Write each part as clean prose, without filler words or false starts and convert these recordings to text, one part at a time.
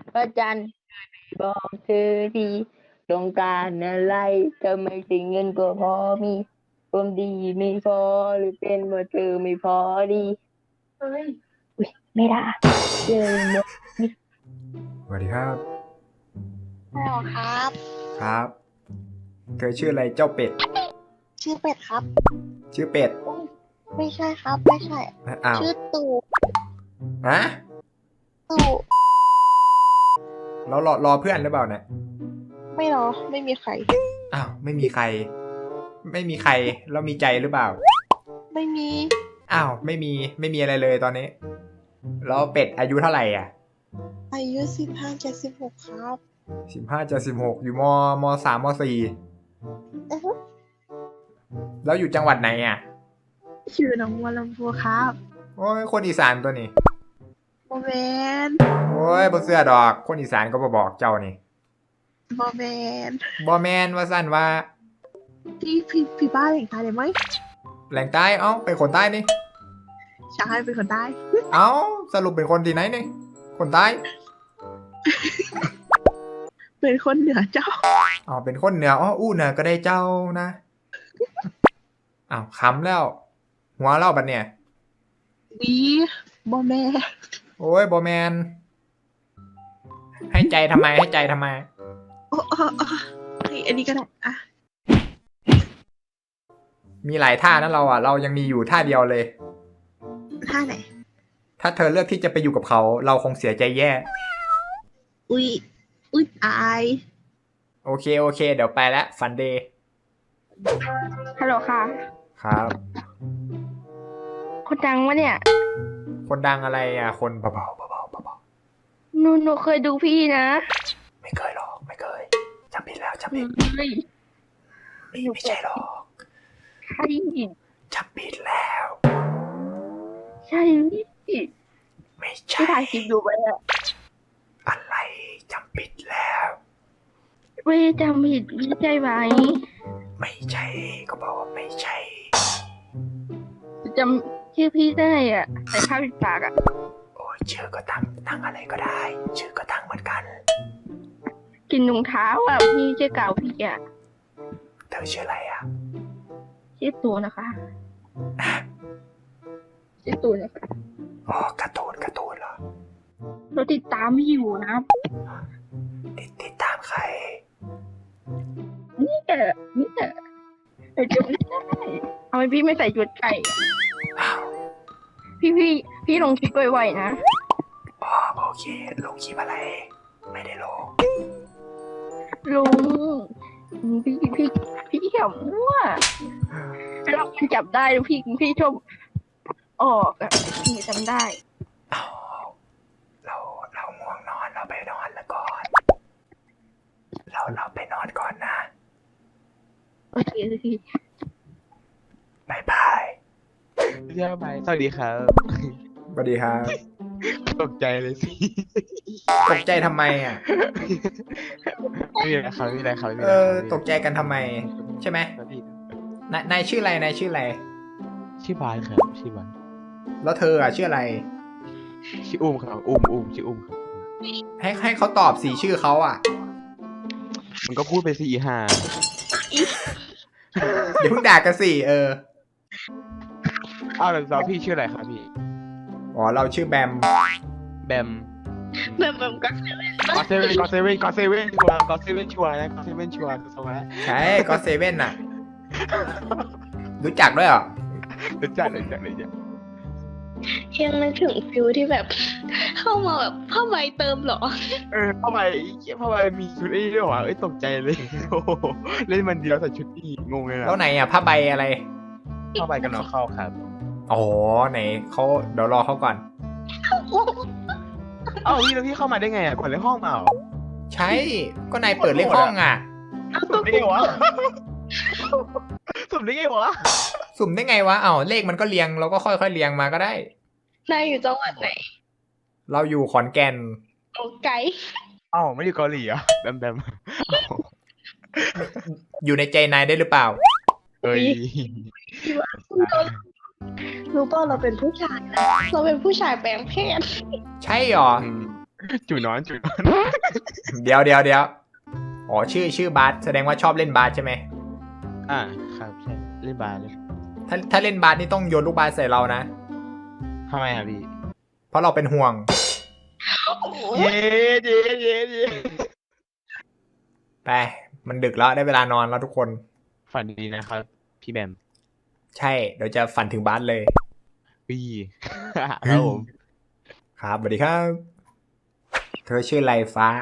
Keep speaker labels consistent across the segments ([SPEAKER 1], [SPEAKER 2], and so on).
[SPEAKER 1] พระจันทร์บอกเธอทีต้องการอะไรทำไมถึงเงินก็พอมีความดีไม่พอหรือเป็นว่าเธอไม่พอดีเฮ้ยอุ๊ยไม่ได้เจอหมด
[SPEAKER 2] สวัสดีครับ
[SPEAKER 3] ฮัลโหลครับ
[SPEAKER 2] ครับเธอชื่ออะไรเจ้าเป็ด
[SPEAKER 3] ชื่อเป็ดครับ
[SPEAKER 2] ชื่อเป็ด
[SPEAKER 3] อุ๊ยไม่ใช่ครับไม่ใช่
[SPEAKER 2] อ้าว
[SPEAKER 3] ชื่อตู่
[SPEAKER 2] ฮะ
[SPEAKER 3] ตู่
[SPEAKER 2] เรารอเพื่อนหรือเปล่าเนี่ย
[SPEAKER 3] ไม่หรอไม่มีใคร
[SPEAKER 2] อ้าวไม่มีใครแล้วมีใจหรือเปล่า
[SPEAKER 3] ไม่มี
[SPEAKER 2] อ้าวไม่มีอะไรเลยตอนนี้แล้วเป็ดอายุเท่าไหร่อ่ะ
[SPEAKER 3] อายุ15 จะ 16ครับ
[SPEAKER 2] 15 จะ 16อยู่ม 3ม 4
[SPEAKER 3] อือฮึ
[SPEAKER 2] แล้วอยู่จังหวัดไหนอ่ะ
[SPEAKER 3] ชื่อน้องวัวลำพูครับ
[SPEAKER 2] โอ้ยคนอีสานตัวนี้
[SPEAKER 3] โมเมน
[SPEAKER 2] โอ้ยบ่เชื่อดอกคนอีสานก็บ่บอกเจ้านี่
[SPEAKER 3] โมเมน
[SPEAKER 2] บ่แมนว่าซั่นว่า
[SPEAKER 3] พี่บ้านแหล่งใต้เลยไหม
[SPEAKER 2] แหล่งใต้เอ้าเป็นคนใต้นี่
[SPEAKER 3] ใช่เป็นคนใต้
[SPEAKER 2] เอ้าสรุปเป็นคนที่ไหนนี่คนใต้
[SPEAKER 3] เป็นคนเหนือเจ้า
[SPEAKER 2] อ๋อเป็นคนเหนืออ๋ออู้เหนือก็ได้เจ้านะอ้าวขำแล้วหัวเล่าบัดเนี่ย
[SPEAKER 3] วีโมเมน
[SPEAKER 2] โอ้ยบอแมนให้ใจทำไม
[SPEAKER 3] โอ้อันนี้ก็ได้อ่ะ
[SPEAKER 2] มีหลายท่านะเราอ่ะเรายังมีอยู่ท่าเดียวเลย
[SPEAKER 3] ท่าไหน
[SPEAKER 2] ถ้าเธอเลือกที่จะไปอยู่กับเขาเราคงเสียใจแย่
[SPEAKER 3] อุ๊ยอาย
[SPEAKER 2] โอเคเดี๋ยวไปแล้วฟันเดย์
[SPEAKER 1] ฮัลโหลค่ะ
[SPEAKER 2] ครับ
[SPEAKER 1] คนดังวะเนี่ย
[SPEAKER 2] คนดังอะไรอ่ะคนเบา
[SPEAKER 1] หนูเคยดูพี่นะ
[SPEAKER 2] ไม่เคยหรอกไม่เคยจำผิดแล้วจำผิด
[SPEAKER 1] เฮ้ย
[SPEAKER 2] ไม่ใช่หรอก
[SPEAKER 1] ใช่
[SPEAKER 2] จำผิดแล้ว
[SPEAKER 1] ใช่
[SPEAKER 2] ไม่ใช่
[SPEAKER 1] พี่ถ่ายคลิปดูไปอะ
[SPEAKER 2] อะไรจำผิดแล้ว
[SPEAKER 1] ไม่จำผิดไม่ใช่ไหม
[SPEAKER 2] ไม่ใช่ก็บอกว่าไม่ใช่
[SPEAKER 1] จำชื่อพี่ได้อ่ะแต่ข้าวปิดปากอ่ะ
[SPEAKER 2] โอ้ยชื่อก็ตั้งอะไรก็ได้ชื่อก็ตั้งเหมือนกัน
[SPEAKER 1] กินถุงเท้าอ่ะพี่ชื่อเก่าพี่อ่ะ
[SPEAKER 2] เธอชื่ออะไรอ่ะ
[SPEAKER 1] ชื่อตูนนะคะชื่อตูนนะคะ
[SPEAKER 2] อ๋อการ์ตูนเหรอ
[SPEAKER 1] เราติดตามพี่อยู่นะ
[SPEAKER 2] ติดตามใคร
[SPEAKER 1] นี่แต่จำไม่ได้ทำไมพี่ไม่ใส่ชุดไก่พี่ลงคลิปไวๆนะ
[SPEAKER 2] อ๋อโอเคลงคลิปอะไรไม่ได้ลง
[SPEAKER 1] ลุงพี่เขียวมั่วเราจับได้พี่ชอบออกอ่ะพี่จำได้
[SPEAKER 2] เราง่วงนอนเราไปนอนแล้วก่อนเราไปนอนก่อนนะ
[SPEAKER 1] โอเค
[SPEAKER 2] บายบาย
[SPEAKER 4] สวัสดีครับ
[SPEAKER 2] สวัสดีครับ
[SPEAKER 4] ตกใจเลยสิ
[SPEAKER 2] ตกใจทำไมอ่ะ
[SPEAKER 4] ไม่มีอะไรครับไม่มีอะไรครับ
[SPEAKER 2] ตกใจกันทำไมใช่ไหมนายชื่ออะไร
[SPEAKER 4] ชื่อบานครับชื่อบาน
[SPEAKER 2] แล้วเธออ่ะชื่ออะไร
[SPEAKER 4] ชื่ออุ้มครับอุ้มชื่ออุ้มครับ
[SPEAKER 2] ให้เขาตอบสีชื่อเขาอ่ะ
[SPEAKER 4] มันก็พูดไปสิห่า
[SPEAKER 2] อย่าเพิ่งด่ากันสิ
[SPEAKER 4] อ้าวแล้วพี่ชื่ออะไรครับพี่
[SPEAKER 2] อ๋อเราชื่อแบม
[SPEAKER 4] ก็เซเว่นชัวร์ก็เซเว่นชัวร์นะก็เซเว่นชัวร์
[SPEAKER 2] ใช่ก็เซเว่นน่ะรู้จักด้วยเหรอ
[SPEAKER 4] รู้จัก
[SPEAKER 3] ยังนึกถึงฟิลที่แบบเข้ามาแบบผ้าใบเติมหรอ
[SPEAKER 4] ผ้าใบมีชุดนี้ด้วยวะตกใจเลยโอ้เล่นมันเดียวใส่ชุดนี้งงเลยนะ
[SPEAKER 2] แล้วไหนอ่ะผ้าใบอะไร
[SPEAKER 4] ผ้าใบกันเอาเข้าครับ
[SPEAKER 2] อ๋อไหนเขาเดี๋ยวรอเขาก่อน
[SPEAKER 4] พี่เข้ามาได้ไงอ่ะกดเลขห้องมาเหรอ
[SPEAKER 2] ใช่ก็นายเปิดเลขห้องอ่ะ
[SPEAKER 4] สุ่มได้ไงวะสุ่มได้ไง
[SPEAKER 2] วะเลขมันก็เรียงเราก็ค่อยๆเรียงมาก็ได้
[SPEAKER 3] นายอยู่จังหวัดไหน
[SPEAKER 2] เราอยู่ขอนแก่น
[SPEAKER 3] โอ้ไกล
[SPEAKER 4] ไม่อยู่เกาหลีอ่ะแบม
[SPEAKER 2] อยู่ในใจนายได้หรือเปล่า
[SPEAKER 3] รู้ป่ะเราเป็นผู้ชายนะเราเป็นผู้ชายแปลงเพศ
[SPEAKER 2] ใช่หรอ
[SPEAKER 4] จูนอนจูนอน
[SPEAKER 2] เดี๋ยวอ๋อชื่อบาสแสดงว่าชอบเล่นบาสใช่ไหม
[SPEAKER 4] ครับใช่เล่นบาสเลย
[SPEAKER 2] ถ้าเล่นบาสนี่ต้องโยนลูกบาสใส่เรานะ
[SPEAKER 4] ทำไมอ่ะพี่
[SPEAKER 2] เพราะเราเป็นห่วง
[SPEAKER 4] เย้เย้เย้เย้
[SPEAKER 2] ไปมันดึกแล้วได้เวลานอนแล้วทุกคน
[SPEAKER 4] ฝันดีนะครับพี่แบม
[SPEAKER 2] ใช่ เดี๋ยวจะฝันถึงบาสเลย
[SPEAKER 4] พี่ ครับผม
[SPEAKER 2] ครับสวัสดีครับ เธอชื่ออะไรฟ้า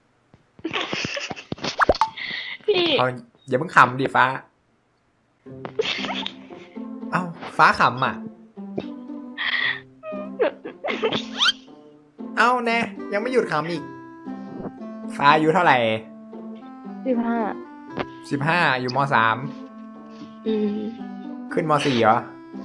[SPEAKER 3] พี่
[SPEAKER 2] เอาอย่าเพิ่งขำดิฟ้า เอ้าฟ้าขำอ่ะ เอ้าแน่ยังไม่หยุดขำอีก ฟ้าอายุเท่าไหร่
[SPEAKER 1] 15
[SPEAKER 2] 15อยู่ม3
[SPEAKER 3] อืม
[SPEAKER 2] ขึ้นม4เหรอ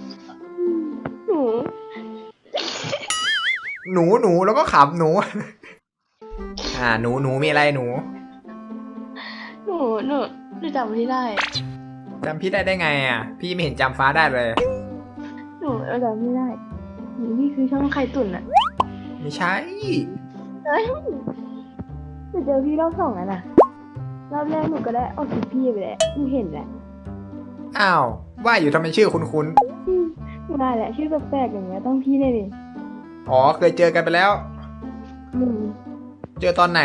[SPEAKER 3] หนู
[SPEAKER 2] หนูแล้วก็ขำหนู หนูมีอะไรหนู
[SPEAKER 3] หนูจำไม่ได้
[SPEAKER 2] จำพี่ได้ไงอ่ะ พี่ไม่เห็นจำฟ้าได้เลย
[SPEAKER 3] หนูจำไม่ได้นี่คือช่องไข่ตุ๋นอะ
[SPEAKER 2] ไม่ใช่
[SPEAKER 3] หนูเจอพี่รอบ2แล้วนะรอบแรกหนูก็ได้ออกคลิปพี่ไปแหละหนูเห็นแหละ
[SPEAKER 2] อ้าว ว่าอยู่ทำไมชื่อคุ้น
[SPEAKER 3] มาแหละชื่อแปลกๆอย่างเงี้ยต้องพี่แน่เลย
[SPEAKER 2] ๆอ๋อเคยเจอกันไปแล้ว
[SPEAKER 3] อืม
[SPEAKER 2] เจอตอนไหน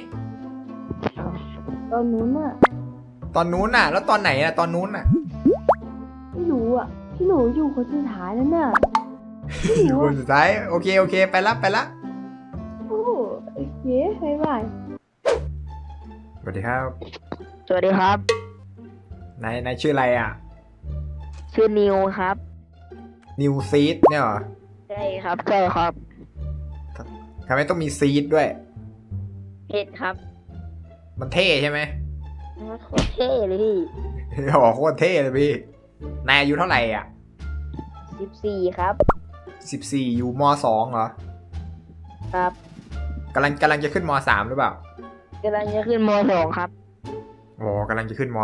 [SPEAKER 3] ตอนนู้นอะ
[SPEAKER 2] ตอนนู้นน่ะ แล้วตอนไหนอ่ะ ตอนนู้นน่ะ
[SPEAKER 3] ไม่รู้อะที่หนูอยู่คนสุดท้ายนั่นน่ะ
[SPEAKER 2] อยู่คนสุดท้ายโอเคไปละ
[SPEAKER 3] โอ้โอเคบ๊ายบาย
[SPEAKER 2] สวัสดีครับ
[SPEAKER 1] สวัสดีครับ
[SPEAKER 2] นายชื่ออะไรอ่ะ
[SPEAKER 1] ชื่อนิวครับ
[SPEAKER 2] นิวซีดเนี่ยเหรอ
[SPEAKER 1] ใช่ครับใช่ครับ
[SPEAKER 2] ทำไมต้องมีซีดด้วย
[SPEAKER 1] เพชรครับ
[SPEAKER 2] มันเท่ใช่ไหม
[SPEAKER 1] โคตรเท่เลยพี่
[SPEAKER 2] โอ้โหโคตรเท่เลยพี่ นายอายุเท่าไหร่อ่ะ
[SPEAKER 1] 14ครับ
[SPEAKER 2] 14อยู่ม2เหรอ
[SPEAKER 1] ครับ
[SPEAKER 2] กำลังจะขึ้นม3หรือเปล่าก
[SPEAKER 1] ำลังจะขึ้นม2ครับ
[SPEAKER 2] โอ้กำลังจะขึ้นม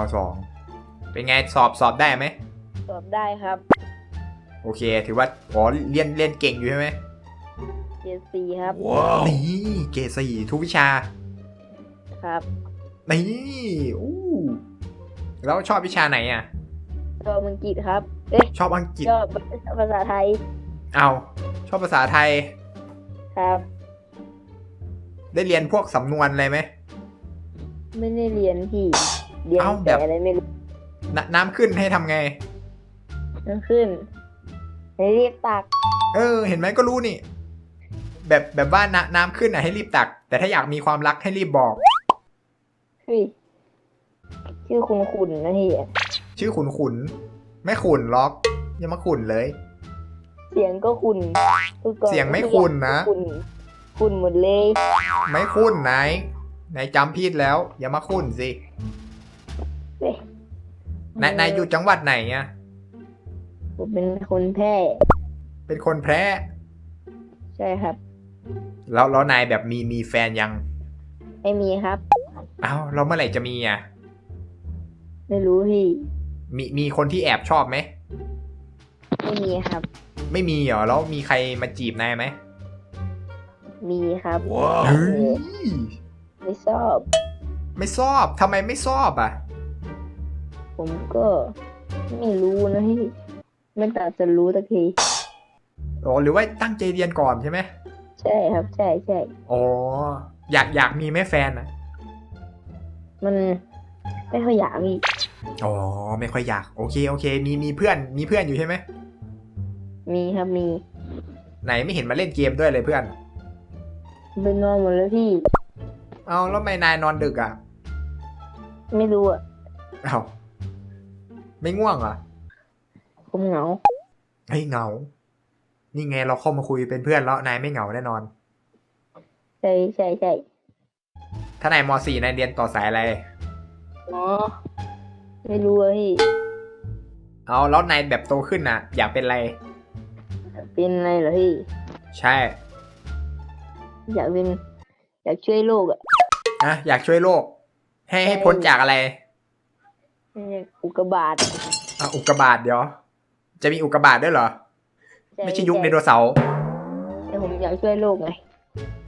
[SPEAKER 2] 2เป็นไงสอบได้ไหม
[SPEAKER 1] สอบได้ครับ
[SPEAKER 2] โอเค ถือว่าเรียนเก่งอยู่ใช่ไหม
[SPEAKER 1] เกียรติ4ครับ
[SPEAKER 2] นี่เกรด4ทุกวิชา
[SPEAKER 1] ครับ
[SPEAKER 2] นี่อู้แล้วชอบวิชาไหนอ่ะ
[SPEAKER 1] ชอบอังกฤษครับ เอ๊ะ
[SPEAKER 2] ชอบอังกฤษ
[SPEAKER 1] ชอบภาษาไทย
[SPEAKER 2] เอาชอบภาษาไทย
[SPEAKER 1] ครับ
[SPEAKER 2] ได้เรียนพวกสำนวนอะไรไหม
[SPEAKER 1] ไม่ได้เรียนพี่ เรียน
[SPEAKER 2] เอ้าแบบ
[SPEAKER 1] แต่อะไรไม่รู้
[SPEAKER 2] น้ำขึ้นให้ทำไง
[SPEAKER 1] นั่นขึ้นให้รีบตัก
[SPEAKER 2] เห็นไหมก็รู้นี่ แบบว่าน้ำขึ้นอ่ะให้รีบตัก แต่ถ้าอยากมีความรักให้รีบบอก
[SPEAKER 1] เฮ้ยชื่อคุณนะพี่
[SPEAKER 2] ชื่อขุนไม่ขุนล็อกอย่ามาขุนเลย
[SPEAKER 1] เสียงก็คุณทุกคน
[SPEAKER 2] เสียงไม่คุณนะ
[SPEAKER 1] คุณหมดเลย
[SPEAKER 2] ไม่ขุนนายจำผิดแล้ว อย่ามาขุนสิ
[SPEAKER 1] เฮ้ย
[SPEAKER 2] นายอยู่จังหวัดไหนอ่ะ
[SPEAKER 1] ผมเป็นคนแพร่
[SPEAKER 2] เป็นคนแพร่
[SPEAKER 1] ใช่ครับ
[SPEAKER 2] แล้วนายแบบมีแฟนยัง
[SPEAKER 1] ไม่มีครับ
[SPEAKER 2] เอ้าเราเมื่อไหร่จะมีอ่ะ
[SPEAKER 1] ไม่รู้พี่
[SPEAKER 2] มีคนที่แอบชอบไหม
[SPEAKER 1] ไม่มีครับ
[SPEAKER 2] ไม่มีเหรอแล้วมีใครมาจีบนายไหม
[SPEAKER 1] มีครับ
[SPEAKER 2] เฮ้ย
[SPEAKER 1] ไม่ชอบ
[SPEAKER 2] ไม่ชอบทำไมไม่ชอบอ่ะ
[SPEAKER 1] ผมก็ไม่รู้นะพี่ไม่ตัดจะรู้สักที
[SPEAKER 2] อ๋อหรือว่าตั้งใจเรียนก่อนใช่ไหม
[SPEAKER 1] ใช่ครับ ใช่ใช่
[SPEAKER 2] อ๋ออยากมีแม่แฟนนะ
[SPEAKER 1] มันไม่ค่อยอยากพี่
[SPEAKER 2] อ๋อไม่ค่อยอยากโอเคมีเพื่อนอยู่ใช่ไหม
[SPEAKER 1] มีครับมี
[SPEAKER 2] ไหนไม่เห็นมาเล่นเกมด้วยเลยเพื่อน
[SPEAKER 1] เป็นนอนหมดแล้วพี่
[SPEAKER 2] เอาแล้วทำไมนายนอนดึกอ่ะ
[SPEAKER 1] ไม่รู้อ่ะ
[SPEAKER 2] เอาไม่ง่วงเหรอ
[SPEAKER 1] ผมเหงา
[SPEAKER 2] เฮ้ยเหงา นี่ไงเราเข้ามาคุยเป็นเพื่อนแล้วนายไม่เหงาแน่นอน
[SPEAKER 1] ใช่ใช่ใช่
[SPEAKER 2] ถ้านายม .4 นายเรียนต่อสายอะไร
[SPEAKER 1] อ๋อไม่รู้อะพี่
[SPEAKER 2] เอาแล้วนายแบบโตขึ้นน่ะ อยากเป็นอะไร
[SPEAKER 1] เป็นอะไรเหรอพี่
[SPEAKER 2] ใช่
[SPEAKER 1] อยากช่วยโลกอ่ะ
[SPEAKER 2] อยากช่วยโลก ให้พ้นจากอะไร
[SPEAKER 1] อุกกาบาต
[SPEAKER 2] อุกกาบาตเดี๋ยว จะมีอุกกาบาตด้วยเหรอ ไม่ใช่ยุคไดโนเสาร์
[SPEAKER 1] แต่ผมอยากช่วยโลกไง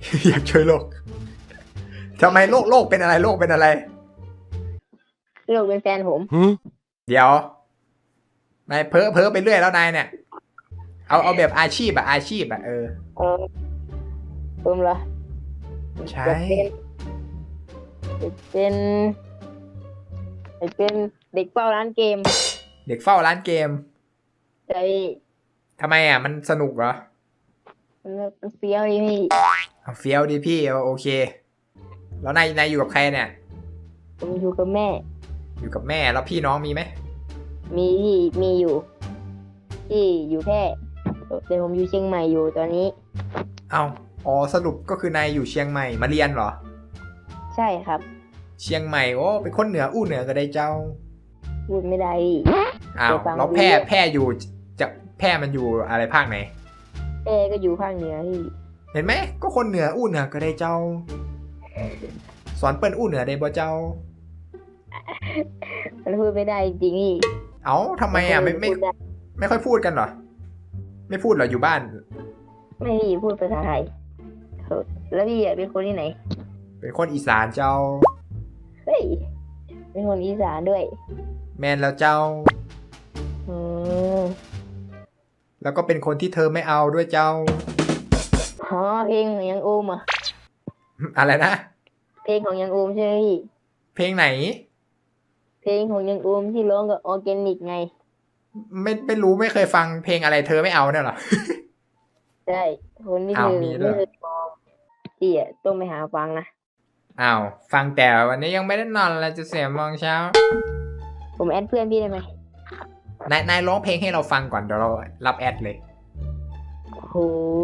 [SPEAKER 2] อยากช่วยโลกทำไมโลกเป็นอะไรโลกเป็นอะไร
[SPEAKER 1] โลกเป็นแฟนผม
[SPEAKER 2] เดี๋ยวนายเพ้อไปเรื่อยแล้วนายเนี่ย เอาแบบอาชีพอะเออ
[SPEAKER 1] เออผมเหรอ
[SPEAKER 2] ใช่
[SPEAKER 1] จะเป็นเด็กเฝ้าร้านเกม
[SPEAKER 2] เด็กเฝ้าร้านเกม
[SPEAKER 1] ใจ
[SPEAKER 2] ทำไมอ่ะมันสนุกเหรอ
[SPEAKER 1] มันเฟี้ยวดีพี่
[SPEAKER 2] เอาเฟี้ยวดีพี่โอเค แล้วนายอยู่กับใครเนี่ย
[SPEAKER 1] ผมอยู่กับแม่
[SPEAKER 2] อยู่กับแม่แล้วพี่น้องมีไหม
[SPEAKER 1] มีอยู่ที่อยู่แพร่แต่ผมอยู่เชียงใหม่อยู่ตอนนี้
[SPEAKER 2] เอาอ๋อสรุปก็คือนายอยู่เชียงใหม่มาเรียนเหรอ
[SPEAKER 1] ใช่ครับ
[SPEAKER 2] เชียงใหม่โอ้เป็นคนเหนืออู้เหนือก็ได้เจ้า
[SPEAKER 1] พูดไม่ได้พี่
[SPEAKER 2] อ้าว
[SPEAKER 1] ไปฟัง
[SPEAKER 2] แล้วแพร่อยู่จะแพร่มันอยู่อะไรภาคไหน
[SPEAKER 1] แม่ก็อยู่ภาคเหนือพี่
[SPEAKER 2] เห็นไหมก็คนเหนืออู้เหนือก็ได้เจ้า สอนเปิ้นอู้เหนือได้บ่เจ้า
[SPEAKER 1] มันพูดไม่ได้จริงๆพี่
[SPEAKER 2] เอ้าทำไมอ่ะไม่
[SPEAKER 1] พูดด้
[SPEAKER 2] ไม่ค่อยพูดกันเหรอ ไม่พูดเหรออยู่บ้าน
[SPEAKER 1] ไม่พี่พูดภาษาไทยแล้วพี่เป็นคนที่ไหน
[SPEAKER 2] เป็นคนอีสานเจ้า
[SPEAKER 1] เฮ้ยเป็นคนอีสานด้วย
[SPEAKER 2] แมนแล้วเจ้า
[SPEAKER 1] อืม
[SPEAKER 2] แล้วก็เป็นคนที่เธอไม่เอาด้วยเจ้า
[SPEAKER 1] อ๋อเพลงของยังโอมอ่ะ
[SPEAKER 2] อะไรนะ
[SPEAKER 1] เพลงของยังโอมใช่ไหมพี่
[SPEAKER 2] เพลงไหน
[SPEAKER 1] เพลงของยังโอมที่ร้องกับออร์แกนิกไง
[SPEAKER 2] ไม่รู้ไม่เคยฟังเพลงอะไรเธอไม่เอาเนี่ยเหรอ
[SPEAKER 1] ใช่คนที่
[SPEAKER 2] อ้าว
[SPEAKER 1] เธอ
[SPEAKER 2] มีด้วย
[SPEAKER 1] ไม่เคยมองพี่อ่ะต้องไปหาฟังนะ
[SPEAKER 2] อ้าวฟังแต่วันนี้ยังไม่ได้นอนเลยจะ4 โมงเช้า
[SPEAKER 1] ผมแอดเพื่อนพี่ได้ไหม
[SPEAKER 2] นายร้องเพลงให้เราฟังก่อนเดี๋ยวเรารับแอดเลย
[SPEAKER 1] โอ้โห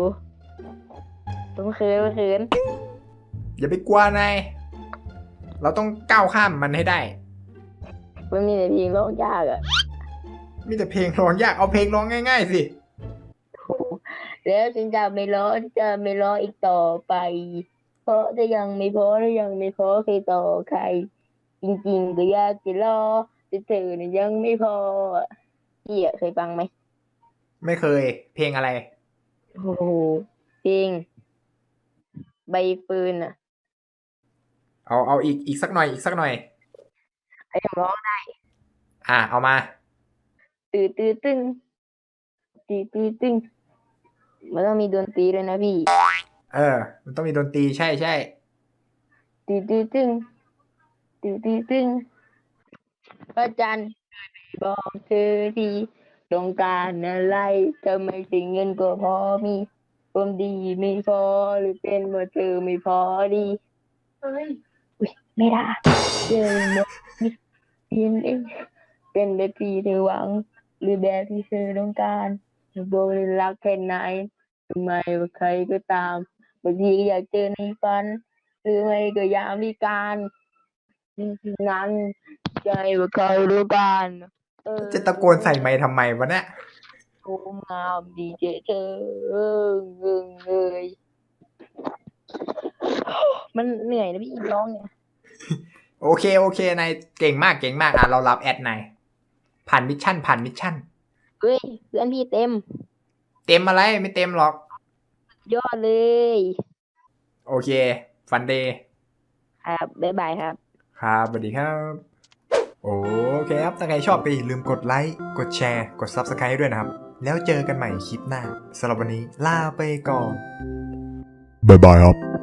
[SPEAKER 1] ผมเขิน
[SPEAKER 2] อย่าไปกลัวนาย เราต้องก้าวข้ามมันให้ได้
[SPEAKER 1] มันมีแต่เพลงร้องยากอ่ะ
[SPEAKER 2] มีแต่เพลงร้องยากเอาเพลงร้องง่ายๆสิ
[SPEAKER 1] โอ้โหแล้วฉันจะไม่ร้องอีกต่อไป เพราะถ้ายังไม่พอใครต่อใคร จริงๆก็อยากจะรอแต่เธอเนี่ยยังไม่พอพี่อ่ะเคยฟังไหม
[SPEAKER 2] ไม่เคย เพลงอะไร
[SPEAKER 1] โอ้โหเพลงใบเฟิร์นอ่ะ
[SPEAKER 2] เอาอีกสักหน่อย
[SPEAKER 1] ไอ้ผมร้องได้
[SPEAKER 2] เอามา
[SPEAKER 1] ตื้อตึงตึงมันต้องมีดนตรีด้วยนะพี่
[SPEAKER 2] มันต้องมีดนตรีใช่
[SPEAKER 1] ตื้อตึงพระจันทร์บอกเธอทีต้องการอะไรทำไมถึงเงินก็พอมีความดีไม่พอหรือเป็นว่าเธอไม่พอดีอุ๊ยไม่ได้เจอหมดยินเองเป็นแบบที่เธอหวัง หรือแบบที่เธอต้องการโบรักแค่ไหนทำไมว่าใครก็ตามบางทีก็อยากเจอในฝัน หรือไม่ก็ยามวิการนั้นใจว่าใครรู้กัน
[SPEAKER 2] จะตะโกนใส่ไมค์ทำไมวะเนี่ย
[SPEAKER 1] โอ้งามดีเจเธอเลย มันเหนื่อยนะพี่ร้องเนี่ย
[SPEAKER 2] โอเค นายเก่งมากเรารับแอดนายผ่านมิชชั่น
[SPEAKER 1] เฮ้ยเพื่อนพี่เต็ม
[SPEAKER 2] เต็มอะไรไม่เต็มหรอก
[SPEAKER 1] ยอดเลย
[SPEAKER 2] โอเค ฟันเดย์
[SPEAKER 1] ครับบ๊ายบายครับ
[SPEAKER 2] ครับสวัสดีครับ โอเคครับ ถ้าใครชอบก็อย่าลืมกดไลค์ กดแชร์ กด Subscribe ด้วยนะครับ แล้วเจอกันใหม่คลิปหน้าสำหรับวันนี้ลาไปก่อน
[SPEAKER 5] บ๊ายบายครับ